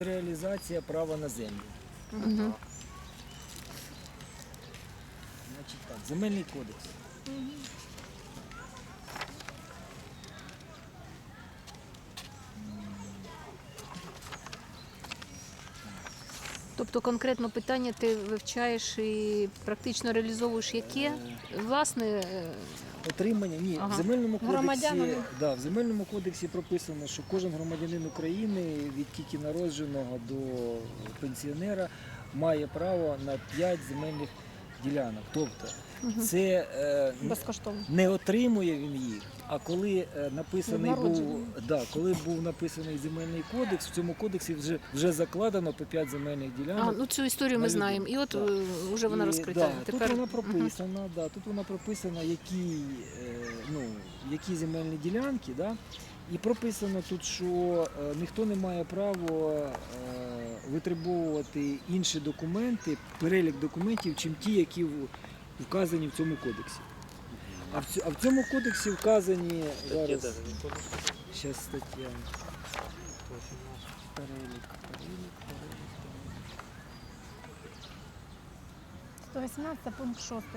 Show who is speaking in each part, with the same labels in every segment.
Speaker 1: Реалізація права на землю.
Speaker 2: Угу.
Speaker 1: Значить так, земельний кодекс.
Speaker 2: Тобто конкретно питання ти вивчаєш і практично реалізовуєш яке? Власне,
Speaker 1: Отримання, ні,
Speaker 2: Ага.
Speaker 1: в земельному кодексі,
Speaker 3: Громадянами.
Speaker 1: в земельному кодексі прописано, що кожен громадянин України від тільки народженого до пенсіонера має право на 5 земельних ділянок. Тобто це
Speaker 3: Безкоштовно.
Speaker 1: не отримує він їх, а коли написаний був,
Speaker 3: Народжений.
Speaker 1: коли був написаний земельний кодекс, в цьому кодексі вже закладено по 5 земельних ділянок.
Speaker 2: ну цю історію ми
Speaker 1: на
Speaker 2: знаємо. І от
Speaker 1: Так.
Speaker 2: вже вона
Speaker 1: І,
Speaker 2: розкрита.
Speaker 1: да, тут вона прописана, які земельні ділянки, і прописано тут, що ніхто не має права витребовувати інші документи, перелік документів, чим ті, які вказані в цьому кодексі. А в цьому кодексі вказані зараз стаття. Перелік.
Speaker 3: 118 пункт 6, да?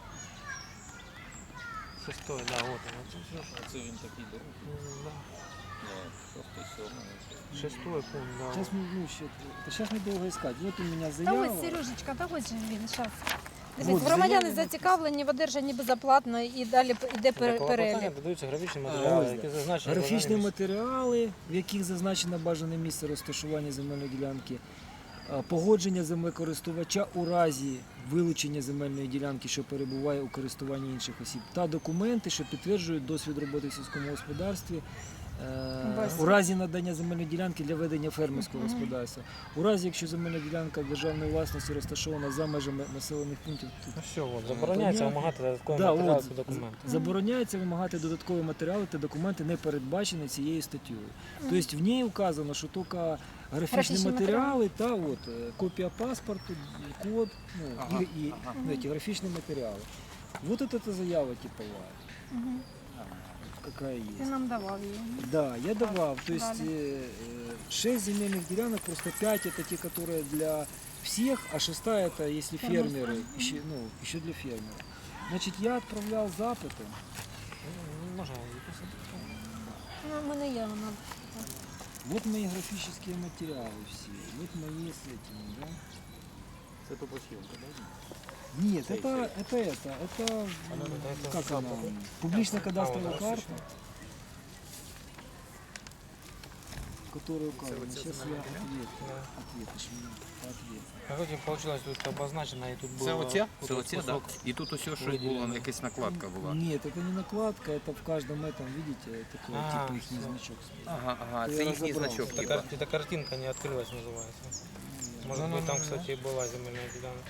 Speaker 4: Шестой, да, вот он.
Speaker 5: Це він такий дорогий.
Speaker 4: Шестой пункт, да.
Speaker 1: Сейчас мы долго искать. Вот у меня
Speaker 3: Та
Speaker 1: заява.
Speaker 3: ось, Сережечка, та ось же він, зараз.
Speaker 1: Вот,
Speaker 3: Дивіться, громадяни
Speaker 1: заяві
Speaker 3: зацікавлені в одержанні безоплатно і далі йде перелік.
Speaker 4: Додаються графічні
Speaker 1: Ось,
Speaker 4: матеріали,
Speaker 1: да.
Speaker 4: які зазначені.
Speaker 1: Графічні матеріали, в яких зазначено бажане місце розташування земельної ділянки, погодження землекористувача у разі вилучення земельної ділянки, що перебуває у користуванні інших осіб, та документи, що підтверджують досвід роботи в сільському господарстві, у разі надання земельної ділянки для ведення фермерського господарства. У разі, якщо земельна ділянка державної власності розташована за межами населених пунктів,
Speaker 4: Ну все, от, забороняється вимагати додаткові
Speaker 1: Да,
Speaker 4: матеріали
Speaker 1: от.
Speaker 4: та документи.
Speaker 1: забороняється вимагати додаткові матеріали та документи, не передбачені цією статтею. Тобто в ній вказано, що тільки графічні
Speaker 3: Графічні
Speaker 1: матеріали та копія паспорту, код, эти графічні матеріали. Вот это заява типовая. Какая
Speaker 3: Ти
Speaker 1: есть.
Speaker 3: нам давав її.
Speaker 1: Да, я давал. То есть
Speaker 3: Далее.
Speaker 1: 6 земельных делянок, просто 5 это те, которые для всех, а 6 это если фермеры, еще для фермеров. Значит, я отправлял запыты.
Speaker 4: Можна записати.
Speaker 3: Ну, в мене є вона.
Speaker 1: Вот мои графические материалы все. Вот мои с этими, да?
Speaker 5: Це топосхемка, так?
Speaker 1: Нет, это как она? Публичная кадастровая карта, которая указана. Сейчас я ответ
Speaker 4: А потім вийшло, тут обозначено і тут було...
Speaker 5: Це оця?
Speaker 4: тут
Speaker 5: Це оця, так?
Speaker 4: кусок.
Speaker 5: І тут ось щось було, якась накладка була.
Speaker 1: Нет, это не накладка, это в каждом этом, видите, такой типа их
Speaker 4: всё.
Speaker 1: значок.
Speaker 5: Ага,
Speaker 1: Я
Speaker 5: це їхній
Speaker 1: розібрав.
Speaker 5: значок,
Speaker 4: Эта
Speaker 5: типа.
Speaker 4: эта картинка не открылась, называется. Может быть, там, кстати, была земельная делянка.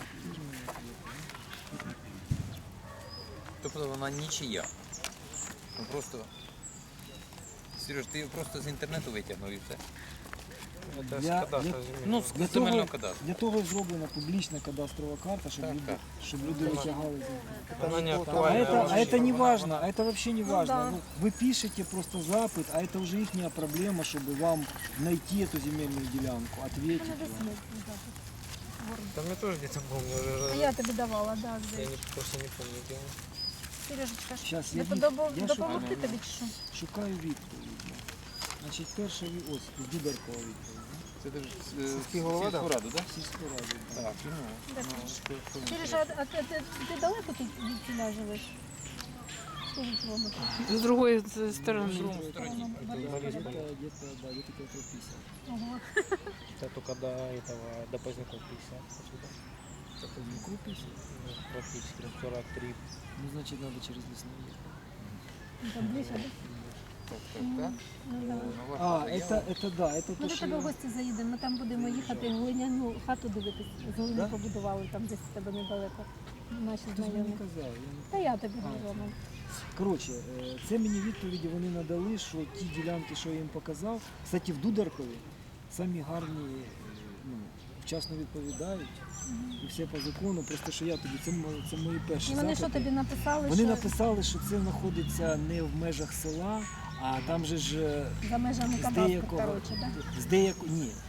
Speaker 5: Тобто вона нічия. Ну просто... Сереж, ти її просто з інтернету витягнув і все.
Speaker 4: Это
Speaker 1: Я-
Speaker 4: с кадастра
Speaker 1: я-
Speaker 4: земельного.
Speaker 5: Ну,
Speaker 1: Для
Speaker 5: з земельного
Speaker 1: того,
Speaker 5: кадастру.
Speaker 1: для того і зроблена публічна кадастрова карта, щоб
Speaker 5: Так,
Speaker 1: люди,
Speaker 5: так.
Speaker 1: щоб люди витягали.
Speaker 4: Она не
Speaker 1: А
Speaker 4: актуальна.
Speaker 1: это не важно, а это вообще не важно.
Speaker 3: да.
Speaker 1: Ну, вы пишете просто запит, а это уже их проблема, чтобы вам найти эту земельную делянку, ответить вам.
Speaker 4: Там я тоже где-то помню.
Speaker 3: А я тобі давала, да,
Speaker 4: Я
Speaker 3: здесь.
Speaker 4: просто не помню, где он.
Speaker 3: Сережечка,
Speaker 1: Щас, я
Speaker 3: допомогти
Speaker 1: шукаю.
Speaker 3: тобі чи що?
Speaker 1: Шукаю відповідь. Значить, перша ось з Дударкова відповідь.
Speaker 5: Це ти
Speaker 4: Сільський голова, да?
Speaker 5: раду, так?
Speaker 1: Сільську раду. да.
Speaker 5: Так,
Speaker 3: Сережа, а ти далеко тут від сюди живеш? Скільки кілометрів?
Speaker 2: з другої сторони.
Speaker 1: Где-то 50.
Speaker 3: Ого.
Speaker 4: Это только до этого, до Поздняков 50. Отсюда.
Speaker 1: Поздняков 50.
Speaker 4: Ну, практически 43.
Speaker 1: Ну, значит, надо через лесной ехать.
Speaker 3: Там ближче, да?
Speaker 5: так.
Speaker 3: Ну, да.
Speaker 1: Это да, это
Speaker 3: Ми
Speaker 1: то,
Speaker 3: до
Speaker 1: що
Speaker 3: тебе в
Speaker 1: я...
Speaker 3: гості заїдемо, ми там будемо їхати глиняну хату дивитися. З глини
Speaker 1: Да?
Speaker 3: побудували, там десь в тебе недалеко. Наші
Speaker 1: Хтось мені
Speaker 3: знайомі.
Speaker 1: казав.
Speaker 3: Та я тобі говорю.
Speaker 1: Коротше, це мені відповіді вони надали, що ті ділянки, що я їм показав, кстати, в Дударкові самі гарні, вчасно відповідають, і все по закону, просто що я тобі, це мої перші
Speaker 3: І вони що
Speaker 1: запити.
Speaker 3: тобі написали?
Speaker 1: Вони
Speaker 3: що
Speaker 1: написали, що це знаходиться не в межах села, а там же ж
Speaker 3: за межами
Speaker 1: з
Speaker 3: кадастру,
Speaker 1: деякого,
Speaker 3: коротше, да?
Speaker 1: ні,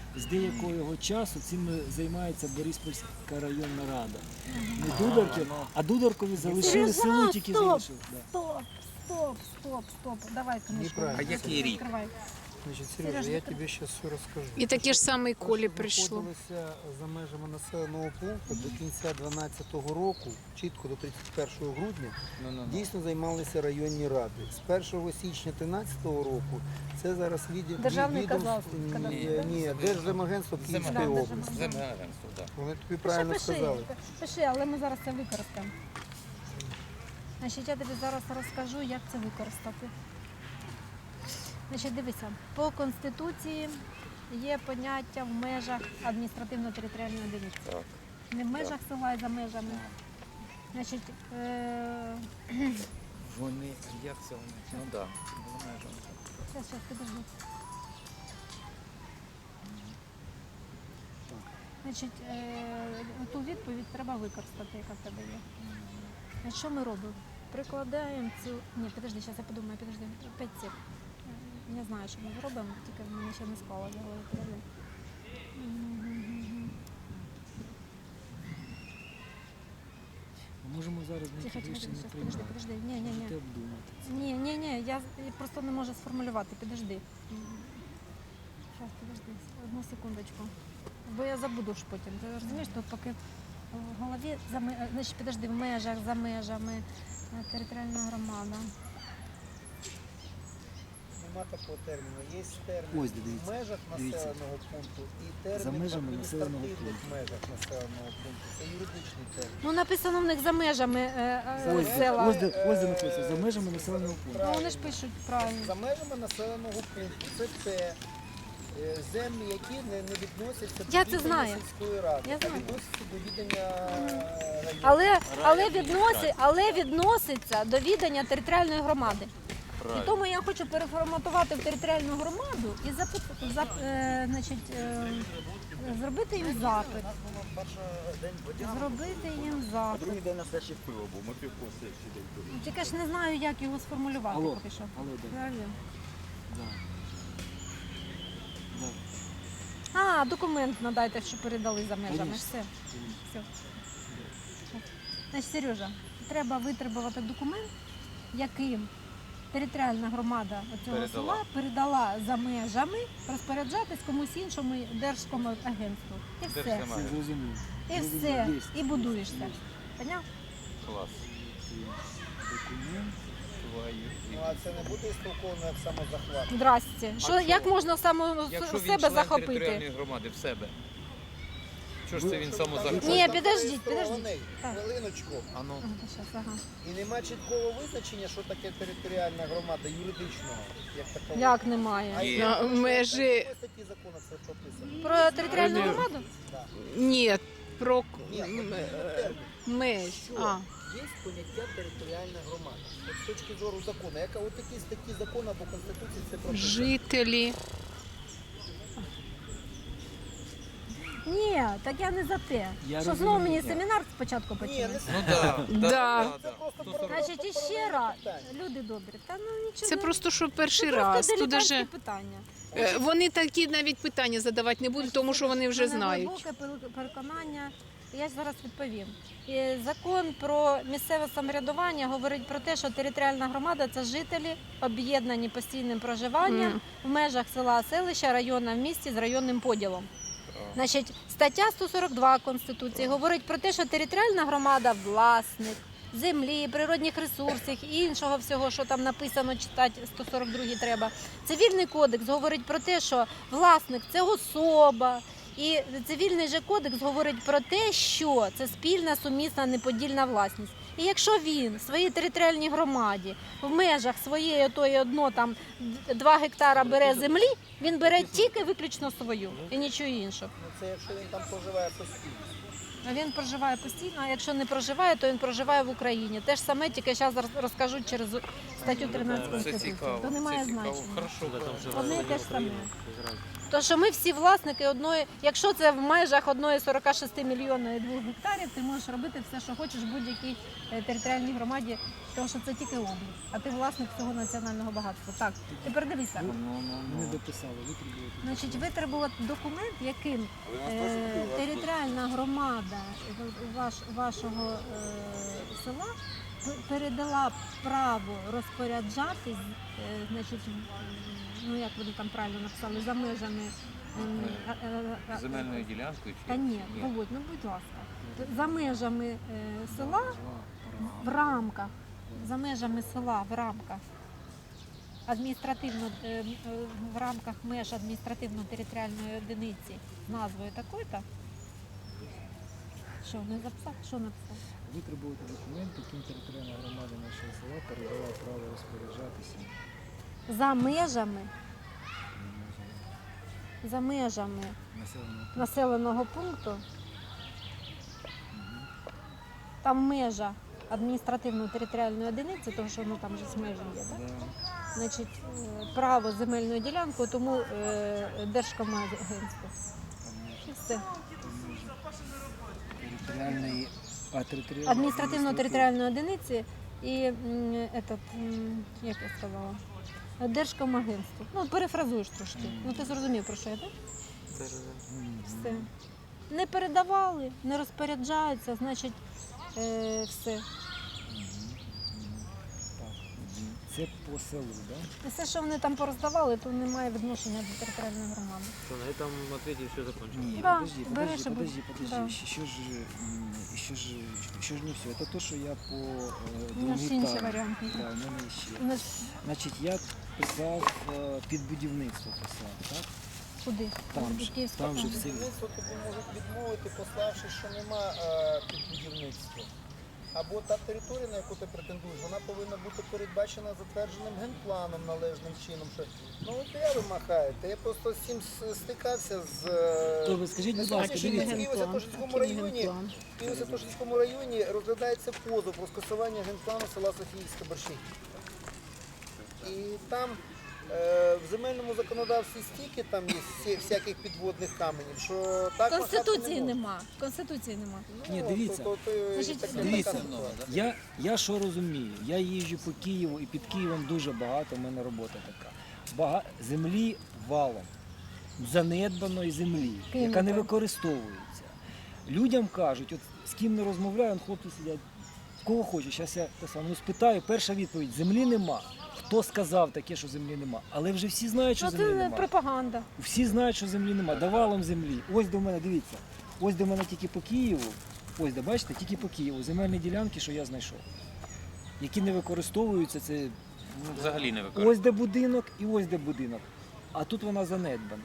Speaker 1: з деякого часу цим займається Бориспільська районна рада. Не Дударків, а Дударкові залишили село, тільки залишили. Да.
Speaker 3: Стоп. Давай книжку.
Speaker 5: А який рік?
Speaker 3: Відкривай.
Speaker 6: Значить, Сережа, я тобі зараз все розкажу.
Speaker 2: І таке ж саме і
Speaker 6: Те,
Speaker 2: Колі
Speaker 6: що
Speaker 2: прийшло.
Speaker 6: знаходилися за межами населеного пункту до кінця 2012 року, чітко до 31 грудня, дійсно займалися районні ради. З 1 січня 2013 року це зараз
Speaker 3: Державне
Speaker 6: відомство,
Speaker 3: казахство.
Speaker 6: ні, Держземагентство Київської
Speaker 3: Держземагентство.
Speaker 6: області.
Speaker 5: Землеагентство, так.
Speaker 6: Вони тобі правильно сказали.
Speaker 3: Пиши, але ми зараз це використаємо. Значить, я тобі зараз розкажу, як це використати. Значить, дивися, по Конституції є поняття в межах адміністративно-територіальної одиниці.
Speaker 5: Так.
Speaker 3: Не в межах села і за межами. Значить,
Speaker 5: Вони, як це вони? Ну так.
Speaker 3: Зараз, подожди. Значить, ту відповідь треба використати, яка в тебе є. Значить, що ми робимо? Прикладаємо цю... Ні, подожди, зараз я подумаю, подожди. 5 сек. Не знаю, що ми зробимо, тільки в мене ще не склала в голові. Подожди.
Speaker 1: Ми можемо зараз
Speaker 3: Тихо,
Speaker 1: ніякі рішення не приймати.
Speaker 3: подожди. Ні.
Speaker 1: Можете обдумати це.
Speaker 3: Ні, я просто не можу сформулювати, підожди. Зараз, подожди, одну секундочку. Бо я забуду ж потім. Ти розумієш, тут поки в голові, значить, підожди, в межах, за межами, територіальна громада.
Speaker 6: Нема такого терміну. Є термін
Speaker 1: Ось, дивіться,
Speaker 6: в межах
Speaker 1: дивіться.
Speaker 6: населеного пункту і термін
Speaker 1: За
Speaker 6: в
Speaker 1: межами населеного
Speaker 6: адміністративних
Speaker 1: пункту.
Speaker 6: межах населеного пункту. Це юридичний термін.
Speaker 3: Ну, написано в них за межами
Speaker 1: Ось,
Speaker 3: села.
Speaker 1: ось де знаходиться, за межами населеного пункту.
Speaker 3: Ну, вони ж пишуть правильно.
Speaker 6: За межами населеного пункту це те землі, які не відносяться до
Speaker 3: Я це
Speaker 6: відання
Speaker 3: знаю.
Speaker 6: сільської ради,
Speaker 3: Я
Speaker 6: а
Speaker 3: знаю.
Speaker 6: відносяться до відання району.
Speaker 3: Але відноситься до відання територіальної громади. І тому я хочу переформатувати в територіальну громаду і зробити їм запит. Зробити їм запит.
Speaker 7: Другий день на слідчий пиво був, ми півко слідчий день пили.
Speaker 3: Тільки ж не знаю, як його сформулювати
Speaker 1: Алло,
Speaker 3: поки що.
Speaker 1: алло, да.
Speaker 3: Реально.
Speaker 1: Да.
Speaker 3: А, документ надайте, що передали за межами.
Speaker 1: Конечно.
Speaker 3: Все. Значить, Сережа, треба витребувати документ, яким територіальна громада цього
Speaker 5: Передала.
Speaker 3: села передала за межами розпоряджатись комусь іншому держкому агентству. І все.
Speaker 5: Держземагентство.
Speaker 1: Все зрозумів.
Speaker 3: І все. І будуєшся. Поняв?
Speaker 5: Клас.
Speaker 1: Документ.
Speaker 6: Ну, а це не буде істолковано як самозахват.
Speaker 3: Здрасте. Що, як можна
Speaker 5: Якщо він
Speaker 3: себе
Speaker 5: член
Speaker 3: захопити?
Speaker 5: територіальної громади в себе. Що ж це він самозахват?
Speaker 3: Ні, підождіть. Так.
Speaker 6: Хвилиночку.
Speaker 5: А ну.
Speaker 3: Щас, ага.
Speaker 6: І нема чіткого визначення, що таке територіальна громада юридичного, як такого.
Speaker 3: Як немає?
Speaker 5: Є.
Speaker 2: На межі
Speaker 6: В якій статті закону це прописано?
Speaker 3: Про територіальну громаду?
Speaker 2: ні, про
Speaker 6: Ні, термін.
Speaker 2: меж. А.
Speaker 6: Є поняття територіальна громада. От з точки зору закону. Яка от такі статті закону або Конституції це прописано?
Speaker 2: Жителі.
Speaker 3: Ні, так я не за те.
Speaker 1: Я
Speaker 3: Що
Speaker 1: розумію,
Speaker 3: знову мені
Speaker 1: я.
Speaker 3: семінар спочатку
Speaker 6: Ні,
Speaker 3: почали?
Speaker 6: не
Speaker 5: Ну так.
Speaker 2: Да.
Speaker 6: Це просто
Speaker 3: Значить, іще раз, люди добрі, та ну нічого.
Speaker 2: Це просто що перший
Speaker 3: Це
Speaker 2: раз.
Speaker 3: просто
Speaker 2: Тут
Speaker 3: дилетантські
Speaker 2: даже
Speaker 3: питання.
Speaker 2: вони такі навіть питання задавати не будуть, тому що вони вже
Speaker 3: У мене
Speaker 2: знають.
Speaker 3: глибоке переконання. Я зараз відповім. І закон про місцеве самоврядування говорить про те, що територіальна громада це жителі, об'єднані постійним проживанням в межах села, селища, району в місті з районним поділом. Значить, стаття 142 Конституції говорить про те, що територіальна громада – власник землі, природних ресурсів і іншого всього, що там написано, читати 142 треба. Цивільний кодекс говорить про те, що власник – це особа. І цивільний же кодекс говорить про те, що це спільна, сумісна, неподільна власність. І якщо він в своїй територіальній громаді в межах своєї тої одно там 2 гектара бере землі, він бере тільки виключно свою і нічого іншого.
Speaker 6: Ну, це якщо він там проживає постійно.
Speaker 3: А він проживає постійно, а якщо не проживає, то він проживає в Україні. Те ж саме, тільки зараз розкажу через статтю 13
Speaker 5: Це
Speaker 3: Конституції.
Speaker 5: цікаво.
Speaker 3: То немає
Speaker 5: Це цікаво.
Speaker 3: значення.
Speaker 5: Хорошо.
Speaker 3: Одне і те ж саме. То що ми всі власники одної, якщо це в межах одної 46 мільйонної 2 гектарів, ти можеш робити все, що хочеш в будь-якій територіальній громаді, тому що це тільки область, а ти власник цього національного багатства. Так, тепер дивися.
Speaker 1: Ми не дописали, витребувати.
Speaker 3: Значить, витребувати документ, яким територіальна громада вашого села передала право розпоряджатись, значить, ну як вони там правильно написали, за межами
Speaker 5: Земельною ділянкою чи?
Speaker 3: Та ні, Володь, ну будь ласка, за межами села в рамках, за межами села в рамках в рамках меж адміністративно-територіальної одиниці з назвою такою-то. Що, не записав? Що написав?
Speaker 1: Витребувати документ, яким територіальна громада нашого села передала право розпоряджатися
Speaker 3: За межами
Speaker 1: населеного
Speaker 3: населеного пункту, там межа адміністративно-територіальної одиниці, тому що там же з межі є, так?
Speaker 1: Да.
Speaker 3: Значить, право земельною ділянкою, тому Держкомагентство. І все.
Speaker 1: Територіальної
Speaker 3: Адміністративно-територіальної одиниці і як я сказала, Держкомагентство. Ну, перефразуєш трошки. Ну, ти зрозумів, про що я, так? Все. Не передавали, не розпоряджаються, значить, все.
Speaker 1: Це по селу, так? Да?
Speaker 3: Все, що вони там пороздавали, то не має відношення до територіальної громади.
Speaker 4: Что, на этом ответе все закончилось?
Speaker 1: Ні,
Speaker 3: Да,
Speaker 1: подожди,
Speaker 3: береш і
Speaker 1: подожди.
Speaker 3: Да.
Speaker 1: Еще ж не все. Это то, що я по
Speaker 3: У нас ще інші
Speaker 1: етапам.
Speaker 3: варіанти.
Speaker 1: Да, у мене ще.
Speaker 3: У нас
Speaker 1: Значить, я писав під будівництво писав, так?
Speaker 3: куди?
Speaker 1: Там
Speaker 3: До
Speaker 1: же,
Speaker 3: Київського
Speaker 1: там же
Speaker 3: центру.
Speaker 1: все.
Speaker 6: Будівництво тобі можуть відмовити, пославши, що нема під будівництво. Або та територія, на яку ти претендуєш, вона повинна бути передбачена затвердженим генпланом належним чином. Що, ну от я ви махаєте, я просто з цим стикався з...
Speaker 1: То ви скажіть, будь ласка,
Speaker 3: Який
Speaker 1: дивіться.
Speaker 3: генплан?
Speaker 6: І в Святошинському
Speaker 3: Який
Speaker 6: районі,
Speaker 3: генплан?
Speaker 6: і у Святошинському районі розглядається позов про скасування генплану села Софіївська Борщівка. І там в земельному законодавстві стільки там є всяких підводних каменів, що так махати
Speaker 3: Конституції
Speaker 6: не можна.
Speaker 3: нема. Конституції нема.
Speaker 1: Ні, дивіться.
Speaker 3: Значить,
Speaker 1: Дивіться,
Speaker 3: така
Speaker 1: я що розумію, я їжджу по Києву і під Києвом дуже багато, в мене робота така. Землі валом, занедбаної землі, яка не використовується. Людям кажуть, от з ким не розмовляю, он хлопці сидять, кого хочеш, зараз я те саме, ну, спитаю, перша відповідь, землі нема. Хто сказав таке, що землі нема? Але вже всі знають, що
Speaker 3: Ну,
Speaker 1: землі
Speaker 3: це
Speaker 1: нема.
Speaker 3: пропаганда.
Speaker 1: Всі знають, що землі нема. Давалом землі. Ось до мене, дивіться. Ось до мене тільки по Києву. Ось де, бачите, тільки по Києву. Земельні ділянки, що я знайшов. Які не використовуються, це ну,
Speaker 5: Взагалі не використовують.
Speaker 1: ось де будинок і ось де будинок. А тут вона занедбана.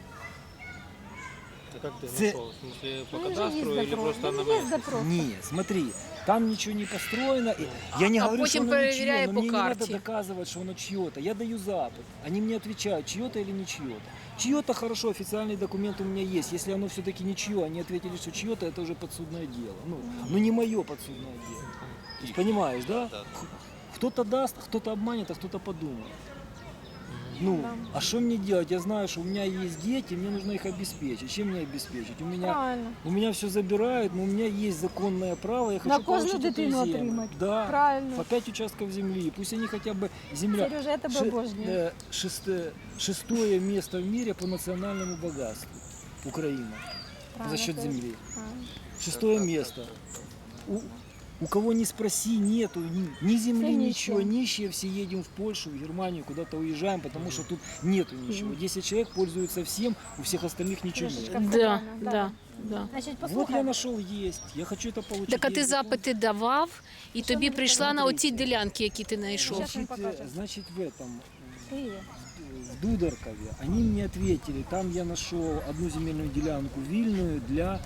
Speaker 4: А как ты
Speaker 1: Це-
Speaker 4: нашел? В смысле, по
Speaker 3: Ну, вже є
Speaker 4: кадастру или
Speaker 3: запрос.
Speaker 4: просто на
Speaker 3: Ну, є
Speaker 4: месте?
Speaker 3: запрос.
Speaker 1: Ні, смотри, там ничего не построено. И я не
Speaker 2: А
Speaker 1: говорю,
Speaker 2: потім
Speaker 1: что оно
Speaker 2: перевіряє
Speaker 1: ничье, но
Speaker 2: по
Speaker 1: мне не надо
Speaker 2: карті.
Speaker 1: доказывать, что оно чье-то. Я даю запад. Они мне отвечают, чье-то или не чье-то. Чье-то хорошо, официальный документ у меня есть. Если оно все-таки не чье, они ответили, что чье-то, это уже подсудное дело. Ну не мое подсудное дело. То есть, понимаешь, да? Кто-то даст, кто-то обманет, а кто-то подумает. Ну, а что мне делать? Я знаю, что у меня есть дети, мне нужно их обеспечить. Чем мне обеспечить?
Speaker 3: Правильно.
Speaker 1: У меня все забирают, но у меня есть законное право, я хочу
Speaker 3: На кожну
Speaker 1: получить эту
Speaker 3: дитину
Speaker 1: землю.
Speaker 3: отримати.
Speaker 1: Да,
Speaker 3: Правильно.
Speaker 1: по 5 участков земли. Пусть они хотя бы земля.
Speaker 3: Сережа, я тебе обожнюю.
Speaker 1: Шестое место в мире по национальному богатству. Украина.
Speaker 3: Правильно,
Speaker 1: За счет
Speaker 3: це-
Speaker 1: земли.
Speaker 3: правильно.
Speaker 1: Шестое место. У кого не спроси, нету ни земли,
Speaker 3: Все
Speaker 1: ничего.
Speaker 3: нищие.
Speaker 1: Нищие все едем в Польшу, в Германию, куда-то уезжаем, потому что тут нету ничего. 10 человек пользуются всем, у всех остальных ничего нет.
Speaker 3: Сережечка,
Speaker 2: Да,
Speaker 3: правильно,
Speaker 2: да, да.
Speaker 3: Значить,
Speaker 1: Вот я
Speaker 3: послухай.
Speaker 1: нашел есть. Я хочу это получить.
Speaker 2: Так а ти
Speaker 1: Есть
Speaker 2: запити давав, і
Speaker 3: Що
Speaker 2: тобі
Speaker 3: ви
Speaker 2: прийшла на
Speaker 1: смотрите?
Speaker 2: оці ділянки, які ти знайшов.
Speaker 3: Щас він покаже.
Speaker 1: Значит, в этом,
Speaker 3: Привіт.
Speaker 1: в Дударкове, они мне ответили, там я нашел одну земельную делянку вильную для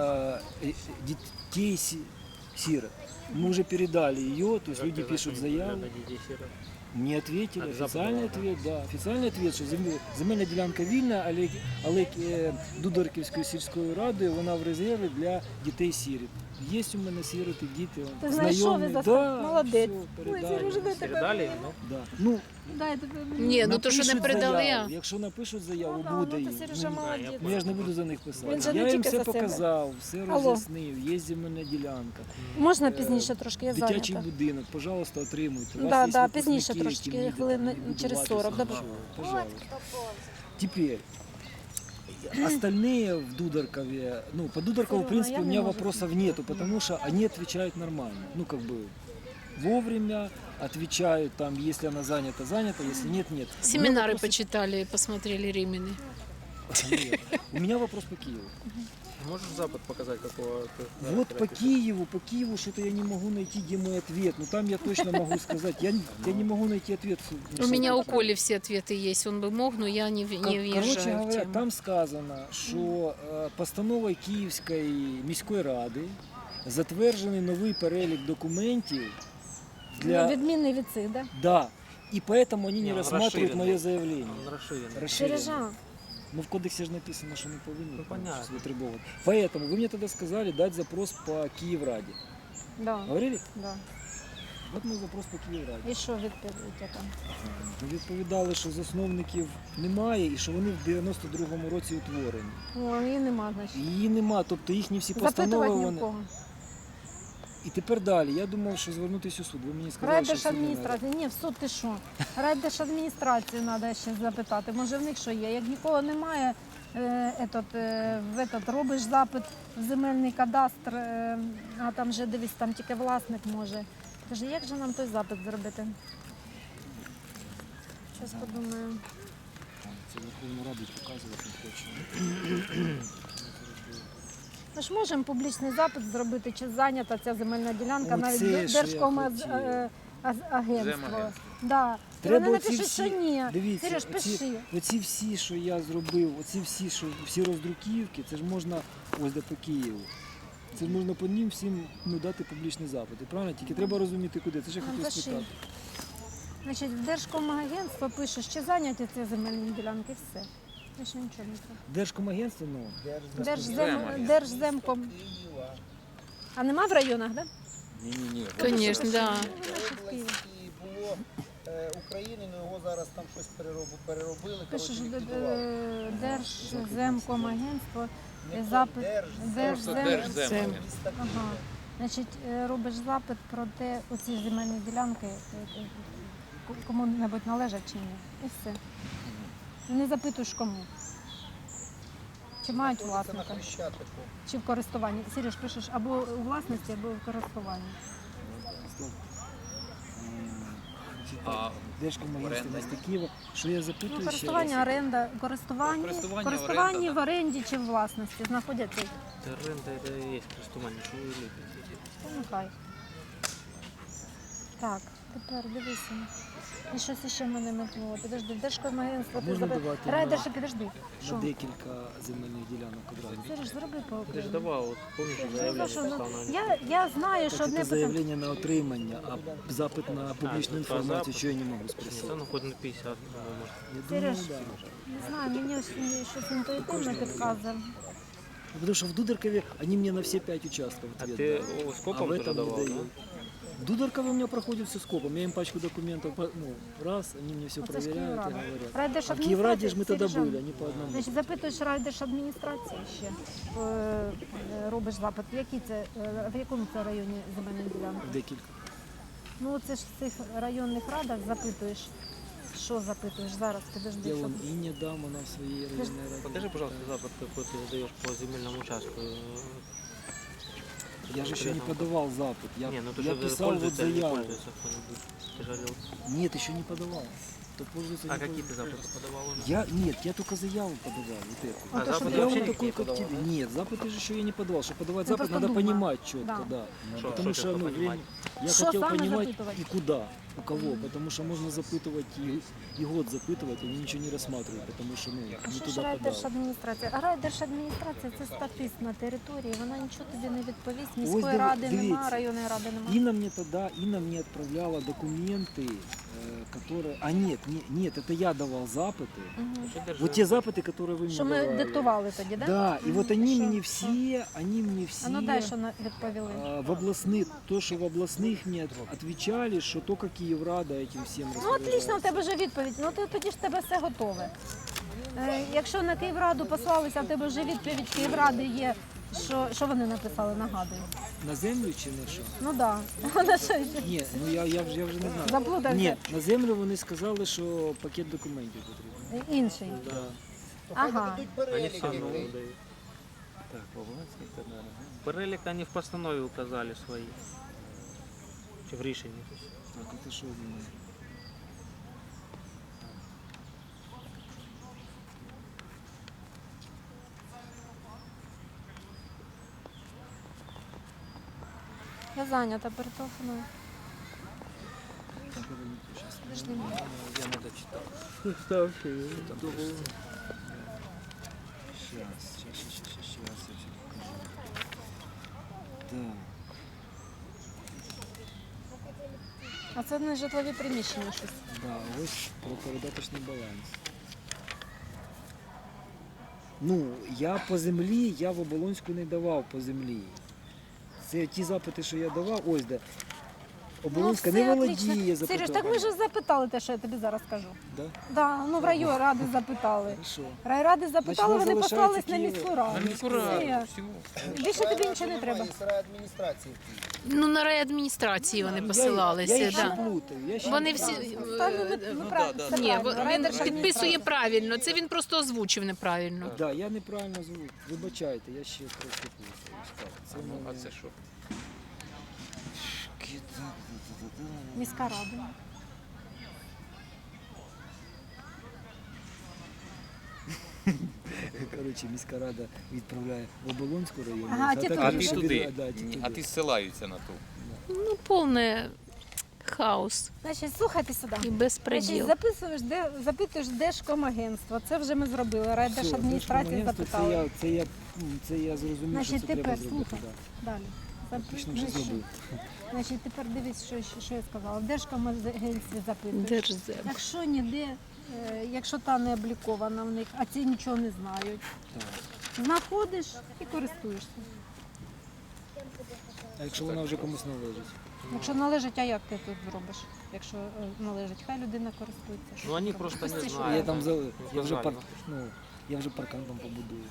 Speaker 1: детей-сирот. Мы уже передали ее, то есть люди пишут заяву. Мне ответили,
Speaker 4: А
Speaker 1: официальный
Speaker 4: запад,
Speaker 1: ответ, да, официальный ответ, що земельна ділянка вільна, але Дударківською сільською радою вона в резерві для дітей-сиріт. Є у мене сироти, діти,
Speaker 3: Ти знайшов і
Speaker 1: знайомі.
Speaker 3: застав?
Speaker 1: Да,
Speaker 3: Молодець.
Speaker 1: все,
Speaker 3: Ой,
Speaker 1: передали.
Speaker 3: Сережа, дай тебе.
Speaker 4: Передали? Ну,
Speaker 1: Да. Ну,
Speaker 3: Дайте мені.
Speaker 2: Ні, ну то, що не
Speaker 1: Напишуть
Speaker 2: передали,
Speaker 1: заяву.
Speaker 2: а.
Speaker 1: Якщо напишуть заяву,
Speaker 3: Ну,
Speaker 1: буде
Speaker 3: то
Speaker 1: їм.
Speaker 3: Сережа молодець.
Speaker 1: Ну я ж не буду за них
Speaker 3: Він
Speaker 1: писати.
Speaker 3: же не
Speaker 1: Я їм
Speaker 3: тільки
Speaker 1: все
Speaker 3: за себе.
Speaker 1: показав, все
Speaker 3: Алло.
Speaker 1: роз'яснив, є земельна ділянка.
Speaker 3: Можна пізніше трошки, я
Speaker 1: Дитячий
Speaker 3: зайнята.
Speaker 1: будинок, пожалуйста, отримуйте. У
Speaker 3: Да,
Speaker 1: вас є
Speaker 3: да,
Speaker 1: випускники,
Speaker 3: пізніше
Speaker 1: які
Speaker 3: трошечки,
Speaker 1: вміють
Speaker 3: хвилин
Speaker 1: будуватися,
Speaker 3: через 40, добре.
Speaker 1: нічого, пожалуйста. Теперь, остальные в Дударкове, ну, по Дударкову, в
Speaker 3: Серёга,
Speaker 1: принципе,
Speaker 3: я
Speaker 1: у
Speaker 3: не
Speaker 1: меня
Speaker 3: могу.
Speaker 1: вопросов нету, потому что они отвечают нормально. Ну, как бы, вовремя отвечают, там, если она занята, занята, если нет, нет. У меня
Speaker 2: Семинары
Speaker 1: вопросы-
Speaker 2: почитали, посмотрели Римины.
Speaker 1: Нет. У меня вопрос по Киеву.
Speaker 4: Можешь запад показать, какого ты?
Speaker 1: Вот по Киеву что-то я не могу найти, где мой ответ. Ну, там я точно могу сказать, я не могу найти ответ.
Speaker 2: У меня у Коли все ответы есть. Он бы мог, но я не
Speaker 1: Короче
Speaker 2: въезжаю в
Speaker 1: говоря,
Speaker 2: тему.
Speaker 1: там сказано, що постановою Київської міської ради затверджений новий перелік документів для...
Speaker 3: Ну, відмінний від цих, да?
Speaker 1: Да. И поэтому они не
Speaker 4: он
Speaker 1: рассматривают
Speaker 4: расширенный.
Speaker 1: мое заявление.
Speaker 4: Он расширен.
Speaker 1: Расширенное.
Speaker 3: Сережа,
Speaker 1: Ну, в кодексе же написано, что не повинні
Speaker 4: Ну, понятно.
Speaker 1: щось витребовувати. Поэтому вы мне тогда сказали дать запрос по Киевраде.
Speaker 3: да,
Speaker 1: Говорили?
Speaker 3: да.
Speaker 1: От ми запрос по Київраді.
Speaker 3: І що відповідь яка?
Speaker 1: Ми відповідали, що засновників немає і що вони в 92-му році утворені.
Speaker 3: О, її нема, значить.
Speaker 1: Її нема, тобто їхні всі постанови
Speaker 3: Запитувати ні в
Speaker 1: вони.
Speaker 3: кого.
Speaker 1: І тепер далі. Я думав, що звернутися у суд. Ви мені сказали, що в суд не треба.
Speaker 3: Райдержадміністрація. Ні, в суд ти що? Райдержадміністрацію треба ще запитати. Може в них що є? Як нікого немає, робиш запит в земельний кадастр, а там вже дивись, там тільки власник може. Каже, як же нам той запит зробити? Щось подумаю.
Speaker 1: Це Верховну Раду показувати не хочу.
Speaker 3: Ми ж можемо публічний запит зробити, чи зайнята ця земельна ділянка,
Speaker 1: Оце,
Speaker 3: навіть
Speaker 1: що я
Speaker 3: Держкомагентство.
Speaker 5: Земагентство.
Speaker 3: Да. І
Speaker 1: Треба
Speaker 3: вони
Speaker 1: оці
Speaker 3: напишуть, що
Speaker 1: всі-
Speaker 3: ні.
Speaker 1: Дивіться,
Speaker 3: Сереж, пиши.
Speaker 1: оці всі, що я зробив, оці всі, що всі роздруківки, це ж можна ось де по Києву. Це ж можна по ним всім дати публічні запити. Правильно? Тільки треба розуміти, куди. Це ж я хотів
Speaker 3: Запиши.
Speaker 1: спитати.
Speaker 3: Значить, в Держкомагентство пише, що зайняті ці земельні ділянки, все. Більше нічого не треба.
Speaker 1: Держкомагентство, ну,
Speaker 3: Держземком. А нема в районах, так?
Speaker 5: Ні-ні-ні.
Speaker 2: Конечно, да.
Speaker 6: І було України, але його зараз там щось переробили.
Speaker 3: Пише, що
Speaker 6: коротше, ліквідували.
Speaker 3: Держземкомагентство, запит,
Speaker 5: Просто Держзем.
Speaker 3: Ага. Значить, робиш запит про те, оці земельні ділянки, кому-небудь належать чи ні. І все. Не запитуєш кому. Чи мають
Speaker 6: Це на
Speaker 3: власника,
Speaker 6: Хрещатику.
Speaker 3: чи в користуванні. Сереж, пишеш або у власності, або в користуванні.
Speaker 5: А
Speaker 1: Держкомагентство міста Києва. Що я запитую
Speaker 3: Ну,
Speaker 1: ще
Speaker 3: користування,
Speaker 1: раз?
Speaker 3: оренда, користування,
Speaker 5: Користування,
Speaker 3: в оренді чи в власності знаходяться.
Speaker 4: Это рында, это и есть користування, що ви ліпите.
Speaker 3: Ну, хай. Так, тепер дивися. І щось ще мене метнуло. Підожди, Держкомагентство, ти
Speaker 1: Можна
Speaker 3: забив.
Speaker 1: давати
Speaker 3: Райдерша, підожди.
Speaker 1: На
Speaker 3: Що?
Speaker 1: декілька земельних ділянок одразу.
Speaker 3: Сереж, зроби по
Speaker 4: Ти ж давав, от помниш,
Speaker 3: Ну,
Speaker 4: заявлення
Speaker 3: що,
Speaker 4: писав на
Speaker 3: я знаю, що
Speaker 1: Так,
Speaker 3: одне
Speaker 1: це
Speaker 3: питання.
Speaker 1: заявлення на отримання, а запит на публічну
Speaker 4: ну,
Speaker 1: інформацію,
Speaker 4: запит.
Speaker 1: що я не можу
Speaker 4: Ні,
Speaker 1: спросити.
Speaker 4: та ну хоч на 50, по-моєму.
Speaker 1: Я думаю,
Speaker 3: Сереж,
Speaker 1: да.
Speaker 3: Не знаю, мені ось щось інтуїтивно підказує.
Speaker 1: Потому что в Дударкове они мне на все 5 участков
Speaker 4: А
Speaker 1: ответ
Speaker 4: ти
Speaker 1: дали.
Speaker 4: о,
Speaker 1: А
Speaker 4: скопом
Speaker 1: в
Speaker 4: теж
Speaker 1: этом не
Speaker 4: давав, да?
Speaker 1: дают. В Дударкове у меня проходит все скопом. Я им пачку документов, раз, они мне все
Speaker 3: Оце ж
Speaker 1: проверяют и
Speaker 3: Київрада.
Speaker 1: говорят. А в
Speaker 3: Райдержадміністрація,
Speaker 1: Киевраде же мы тогда
Speaker 3: Сережа,
Speaker 1: были, они по одному.
Speaker 3: Значить, запитуєш райдержадміністрації ще, робиш запит. В якому це районі земельні ділянки?
Speaker 1: Декілька.
Speaker 3: Ну це ж в цих районних радах запитуєш. Що запитуєш зараз? Підожди,
Speaker 1: Я
Speaker 3: що
Speaker 1: вон и не дам, она в своей районной раде.
Speaker 4: Покажи, пожалуйста, запит, какой ты задаешь по земельному участку.
Speaker 1: Я же еще не подавал запит. Я,
Speaker 4: Не, ну ты
Speaker 1: я
Speaker 4: же
Speaker 1: писал вот
Speaker 4: пользуется или не
Speaker 1: заяву.
Speaker 4: пользуется кто-нибудь? Ты же говорил.
Speaker 1: Нет, еще не подавал. То пользуется,
Speaker 4: А
Speaker 1: не
Speaker 4: какие ты
Speaker 1: пользуется.
Speaker 4: записи подавал уже?
Speaker 1: Нет, я только заяву подавал, вот эту.
Speaker 3: А то,
Speaker 4: запит
Speaker 3: що
Speaker 4: ты
Speaker 1: Я
Speaker 4: вообще
Speaker 1: вот
Speaker 4: никакие
Speaker 1: такой, как
Speaker 4: подавал,
Speaker 1: тебе.
Speaker 4: да?
Speaker 1: Нет, запыты же еще я не подавал. Чтобы подавать
Speaker 3: Ну,
Speaker 1: запыт,
Speaker 3: просто
Speaker 1: надо
Speaker 3: думаю.
Speaker 1: понимать четко,
Speaker 3: Да.
Speaker 1: да.
Speaker 4: Что
Speaker 1: Потому
Speaker 4: ты
Speaker 1: что, ну,
Speaker 4: понимать?
Speaker 1: время- я
Speaker 3: Что
Speaker 1: хотел
Speaker 3: саме
Speaker 1: понимать
Speaker 3: запитувати?
Speaker 1: и куда, у кого. Потому что можно запытывать и год запытывать, они ничего не рассматривают, потому что, ну,
Speaker 3: А
Speaker 1: не
Speaker 3: що ж
Speaker 1: туда подал.
Speaker 3: райдержадміністрація? А райдержадміністрація це статист на території, вона нічого тобі не відповість.
Speaker 1: Ось
Speaker 3: Міської ради
Speaker 1: дивіться.
Speaker 3: нема, районної ради нема.
Speaker 1: Инна мне отправляла документы, которые... А нет, это я давал запыты.
Speaker 3: Мгм.
Speaker 4: Что держи?
Speaker 1: Вот те запыты, которые вы мне
Speaker 3: Що ми
Speaker 1: давали.
Speaker 3: диктували тоді, да?
Speaker 1: Да, и вот они
Speaker 3: Що?
Speaker 1: мне все,
Speaker 3: А ну дай, що відповіли.
Speaker 1: в областных, то, что в областных мне отвечали, что только Київрада, этим всім
Speaker 3: Ну, отлично, в тебе вже відповідь. Ну, тоді ж в тебе все готове. Якщо на Київраду послалися, в тебе вже відповідь Київради є. Що вони написали, нагадую?
Speaker 1: На землю чи на що?
Speaker 3: Ну так, да.
Speaker 1: Ні, ну я вже не знаю.
Speaker 3: Заплутався.
Speaker 1: Ні, на землю вони сказали, що пакет документів потрібен.
Speaker 3: Інший.
Speaker 1: Да.
Speaker 3: Ага.
Speaker 4: Они все равно выдают.
Speaker 5: Так, Павловський, Тернер.
Speaker 4: Перелік они в постанові указали свої. Чи в рішенні.
Speaker 1: Так, это що думає?
Speaker 3: Я зайнята, перетелефоную.
Speaker 1: Так, это не то, щас.
Speaker 3: Подожди.
Speaker 5: Я не дочитав.
Speaker 1: Сейчас, я все покажу. Так.
Speaker 3: А це не житлові приміщення щось.
Speaker 1: Да, ось про передаточний баланс. Ну, я по землі, я в Оболонську не давав по землі. Це ті запити, що я давав, ось де. Оболонська не володіє
Speaker 3: Сереж, так ми
Speaker 1: запитуванням.
Speaker 3: ж запитали те, що я тобі зараз скажу.
Speaker 1: Да?
Speaker 3: Да, ну в райради запитали.
Speaker 1: Хорошо.
Speaker 3: Райради запитали,
Speaker 1: Значить,
Speaker 3: вони
Speaker 1: залишається
Speaker 3: послались на
Speaker 1: Київ.
Speaker 3: міську раду.
Speaker 5: На міську раду,
Speaker 3: Все.
Speaker 5: всю.
Speaker 3: Більше тобі нічого не треба.
Speaker 6: адміністрації.
Speaker 2: Ну, на райадміністрації вони
Speaker 1: Я
Speaker 2: посилалися.
Speaker 1: їх ще
Speaker 2: Да.
Speaker 1: плутаю. Я ще
Speaker 2: Вони
Speaker 1: не
Speaker 2: всі
Speaker 1: плутаю.
Speaker 3: Та, ну, правильно, все
Speaker 2: Ні,
Speaker 3: правильно.
Speaker 2: він
Speaker 3: Райдержадміністрація.
Speaker 2: підписує правильно. Це він просто озвучив неправильно.
Speaker 1: Да, я неправильно звук. Вибачайте, я ще трошки плутаю. Так, це
Speaker 5: Ну, а
Speaker 1: мене-
Speaker 5: це що?
Speaker 3: Міська рада.
Speaker 1: Коротше, міська рада відправляє в Оболонську районну.
Speaker 3: Ага, ті туди.
Speaker 5: А ти
Speaker 1: що
Speaker 5: туди.
Speaker 1: да, ті
Speaker 5: Ні, а
Speaker 1: туди.
Speaker 5: ти зсилаються на ту.
Speaker 2: Ну, повне хаос
Speaker 3: Значить, слухайте сюди.
Speaker 2: і
Speaker 3: Значить,
Speaker 2: безпреділ.
Speaker 3: запитуєш Держкомагентство. Це вже ми зробили.
Speaker 1: Все,
Speaker 3: Райдержадміністрації
Speaker 1: Держкомагентство,
Speaker 3: запитали.
Speaker 1: це я зрозумів,
Speaker 3: Значить,
Speaker 1: що це треба
Speaker 3: тепер
Speaker 1: зробити.
Speaker 3: слухай.
Speaker 1: Да.
Speaker 3: Далі.
Speaker 1: Фактично вже зробив.
Speaker 3: Значить, тепер дивись, що я сказала. В Держкомагентстві запитуєш.
Speaker 2: Держзем.
Speaker 3: Якщо ніде, якщо та не облікована в них, а ці нічого не знають,
Speaker 1: Так.
Speaker 3: знаходиш і користуєшся.
Speaker 1: А якщо вона вже комусь належить?
Speaker 3: Якщо належить, а як ти тут зробиш? Якщо належить, хай людина користується.
Speaker 4: Ну они просто не
Speaker 3: Простіше.
Speaker 4: знают.
Speaker 1: Я там я вже
Speaker 4: Сказали.
Speaker 1: я вже паркан там побудую.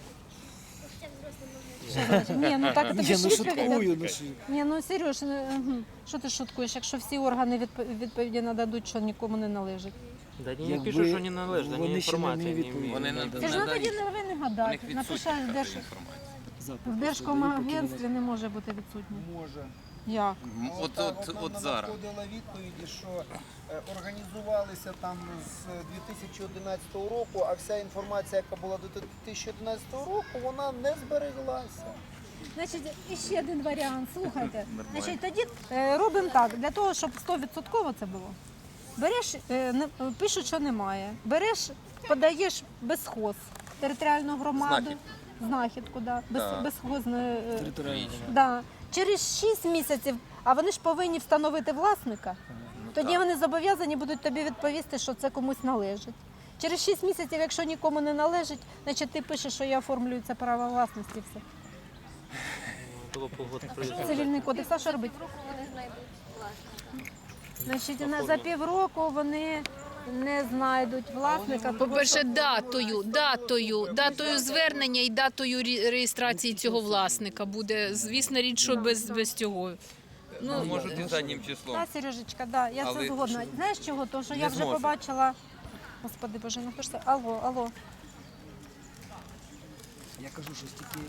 Speaker 3: Що значить? Ні, ну так тобі
Speaker 1: Я
Speaker 3: ж
Speaker 1: ну
Speaker 3: відповідь.
Speaker 1: шуткую, ну що.
Speaker 3: Ні, ну Сереж, що ти шуткуєш, якщо всі органи відповіді нададуть, що нікому не належить?
Speaker 4: Да они не
Speaker 1: Якби
Speaker 4: пишут, что не належит, они
Speaker 1: вони ще не
Speaker 4: информации не
Speaker 1: відповіли.
Speaker 4: имеют.
Speaker 5: Вони
Speaker 4: Да.
Speaker 5: не
Speaker 3: Це ж ну тоді
Speaker 5: надають.
Speaker 3: не ви не
Speaker 5: У
Speaker 3: гадати.
Speaker 5: них відсутня
Speaker 3: Напишеш,
Speaker 5: така інформація.
Speaker 1: Запит
Speaker 3: в
Speaker 1: просто
Speaker 3: Держкомагентстві
Speaker 1: даю,
Speaker 3: не може бути відсутнє.
Speaker 6: Може.
Speaker 3: Як?
Speaker 5: От
Speaker 6: нам
Speaker 5: зараз.
Speaker 6: надходила відповіді, що організувалися там з 2011 року, а вся інформація, яка була до 2011 року, вона не збереглася.
Speaker 3: Значить, і ще один варіант. Слухайте.
Speaker 5: Нормально.
Speaker 3: Значить, тоді робимо так, для того, щоб 100% це було. Береш, пишуть, що немає. Береш, подаєш безхоз, територіальну громаду, знахідку, да,
Speaker 5: Так.
Speaker 3: безхозне.
Speaker 1: територіально.
Speaker 3: Да. Через 6 місяців, а вони ж повинні встановити власника, тоді вони зобов'язані будуть тобі відповісти, що це комусь належить. Через 6 місяців, якщо нікому не належить, значить ти пишеш, що я оформлюю це право власності і все.
Speaker 4: Было полгода пройдет.
Speaker 3: Цивільний кодекс, а що робити? Значить, за півроку вони не знайдуть власника.
Speaker 2: По-перше, датою звернення і датою реєстрації цього власника буде, звісно, річ, що без цього.
Speaker 5: Ну, можуть і заднім числом.
Speaker 3: Так, Сережечка, да, я
Speaker 5: Але
Speaker 3: це згодна. Знаєш чого? Тому що
Speaker 5: не
Speaker 3: я вже
Speaker 5: зможуть.
Speaker 3: побачила. Господи Боже, ну хто ж це? Алло.
Speaker 1: Я кажу, що стільки